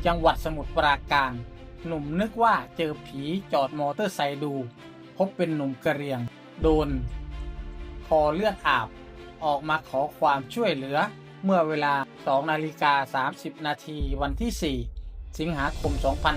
จังหวัดสมุทรปราการหนุ่มนึกว่าเจอผีจอดมอเตอร์ไซค์ดูพบเป็นหนุ่มกะเหรี่ยงโดนคอเลือดอาบออกมาขอความช่วยเหลือเมื่อเวลา 2:30 นาทีวันที่ 4 สิงหาคม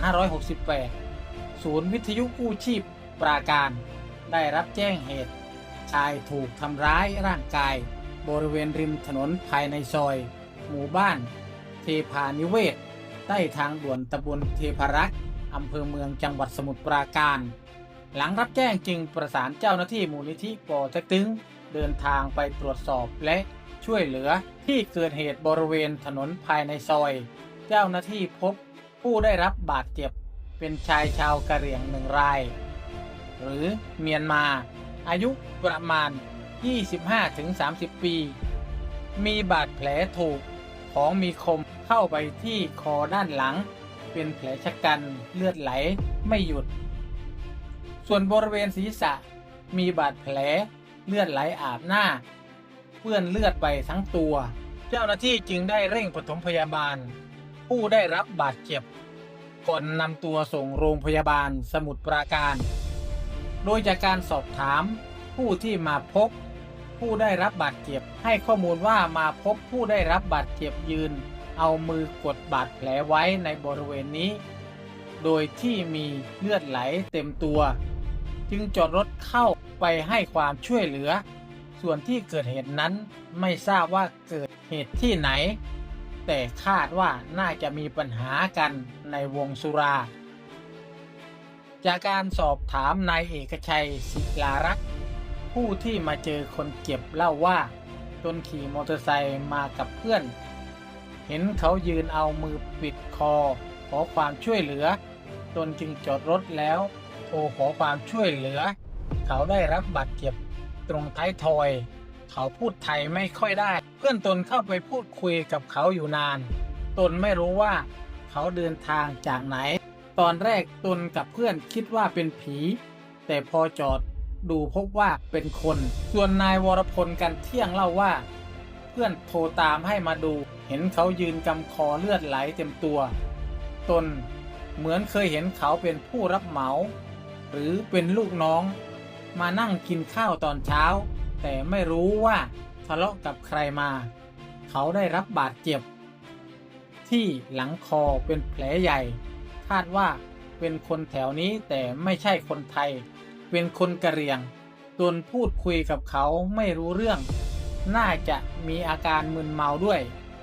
2568 ศูนย์วิทยุกู้ชีพปราการได้รับแจ้งเหตุชายถูกทำร้ายร่างกายบริเวณริมถนนภายในซอยหมู่บ้านเทพานิเวศใต้ทางด่วนตำบลเทพารักษ์อำเภอเมืองจังหวัดสมุทรปราการหลังรับแจ้งจึงประสานเจ้าหน้าที่มูลนิธิปอเต็กตึงเดินทางไปตรวจสอบและช่วยเหลือที่เกิดเหตุบริเวณถนนภายในซอยเจ้าหน้าที่พบผู้ได้รับบาดเจ็บเป็นชายชาวกะเหรี่ยง1 รายหรือเมียนมาอายุประมาณ 25-30 ปี มีบาดแผลถูกของมีคมเข้าไปที่คอด้านหลังเป็นแผลชะกันเลือดไหลไม่หยุดส่วนบริเวณศีรษะมีบาดแผลเลือดไหลอาบหน้าเปื้อนเลือดไปทั้งตัวเจ้าหน้าที่จึงได้เร่งปฐมพยาบาลผู้ได้รับบาดเจ็บก่อนนำตัวส่งโรงพยาบาลสมุทรปราการโดยจากการสอบถามผู้ที่มาพบผู้ได้รับบาดเจ็บให้ข้อมูลว่ามาพบผู้ได้รับบาดเจ็บยืนเอามือกดบาดแผลไว้ในบริเวณนี้โดยที่มีเลือดไหลเต็มตัวจึงจอดรถเข้าไปให้ความช่วยเหลือส่วนที่เกิดเหตุนั้นไม่ทราบว่าเกิดเหตุที่ไหนแต่คาดว่าน่าจะมีปัญหากันในวงสุราจากการสอบถามนายเอกชัยศิลารักษ์ผู้ที่มาเจอคนเจ็บเล่าว่าตนขี่มอเตอร์ไซค์มากับเพื่อนเห็นเขายืนเอามือปิดคอขอความช่วยเหลือตนจึงจอดรถแล้วโทรขอความช่วยเหลือเขาได้รับบาดเจ็บตรงท้ายทอยเขาพูดไทยไม่ค่อยได้เพื่อนตนเข้าไปพูดคุยกับเขาอยู่นานตนไม่รู้ว่าเขาเดินทางจากไหนตอนแรกตนกับเพื่อนคิดว่าเป็นผีแต่พอจอดดูพบว่าเป็นคนส่วนนายวรพลกันเที่ยงเล่าว่าเพื่อนโทรตามให้มาดูเห็นเขายืนกำคอเลือดไหลเต็มตัวตนเหมือนเคยเห็นเขาเป็นผู้รับเหมาหรือเป็นลูกน้องมานั่งกินข้าวตอนเช้าแต่ไม่รู้ว่าทะเลาะกับใครมาเขาได้รับบาดเจ็บที่หลังคอเป็นแผลใหญ่คาดว่าเป็นคนแถวนี้แต่ไม่ใช่คนไทยเป็นคนกะเหรี่ยงตนพูดคุยกับเขาไม่รู้เรื่องน่าจะมีอาการมึนเมาด้วย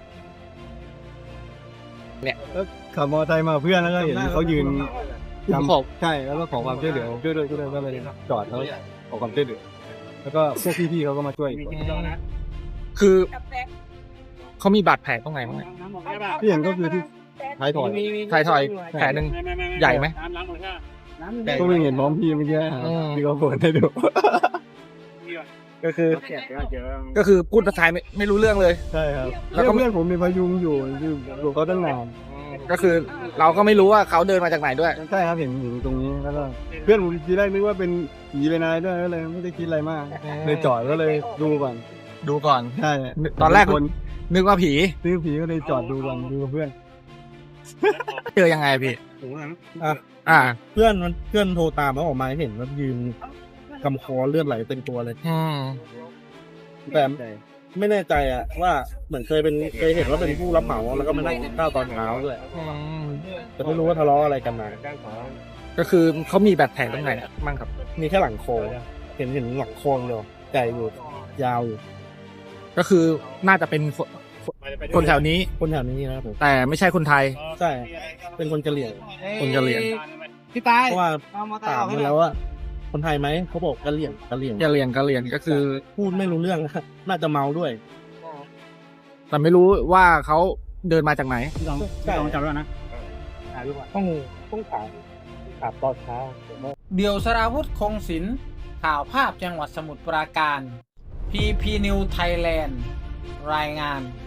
เนี่ยขับมอเตอร์ไซค์มาเพื่อนแล้วก็เห็นเขายืนใช่แล้วก็ขอความช่วยเหลือช่วยด้วยก็เลยจอดแล้วขอความช่วยเหลือแล้วก็พวกพี่ๆเขาก็มาช่วยคือเขามีบาดแผลตรงไหนบ้างที่เห็นก็คือที่ท้ายถอยแผลหนึ่งใหญ่ไหมก็ไม่เห็นพร้อมพี่เมื่อกี้ที่เขาเปิดให้ดูก็คือพูดภาษาไม่รู้เรื่องเลยใช่ครับแล้วก็เพื่อนผมมีพยุงอยู่เขาตั้งนานก็คือเราก็ไม่รู้ว่าเขาเดินมาจากไหนด้วยใช่ครับเห็นอยู่ตรงนี้แล้วก็เพื่อนผมทีแรกนึกว่าเป็นผีเป็นอะไรด้วยก็เลยไม่ได้คิดอะไรมากเลยจอดก็เลยดูก่อนใช่ตอนแรกนึกว่าผีก็เลยจอดดูก่อนดูกับเพื่อนเจอยังไงพี่เพื่อนโทรตามแล้วออกมาเห็นว่ายืนกำคอเลือดไหลเต็มตัวเลยแต่ไม่แน่ใจว่าเหมือนเคยเห็นว่าเป็นผู้รับเหมาแล้วก็มานั่งกินข้าวตอนเช้าด้วยแต่ไม่รู้ว่าทะเลาะอะไรกันมาก็คือเขามีบาดแผลตรงไหนมั่งครับมีแค่หลังคอเห็นหลังคอเดียวใหญ่อยู่ยาวอยู่ก็คือน่าจะเป็นคนแถวนี้นะครับแต่ไม่ใช่คนไทยใช่เป็นคนกะเหรี่ยงพี่ตายเพราะว่าถามมาแล้วว่าคนไทยไหมเขาบอกกะเหรี่ยงก็คือพูดไม่รู้เรื่องน่าจะเมาด้วยแต่ไม่รู้ว่าเขาเดินมาจากไหนต้องจำด้วยนะต้องถามตอนเช้าเดี่ยวสราวุธคงศิลป์ข่าวภาพจังหวัดสมุทรปราการ PP News Thailand รายงาน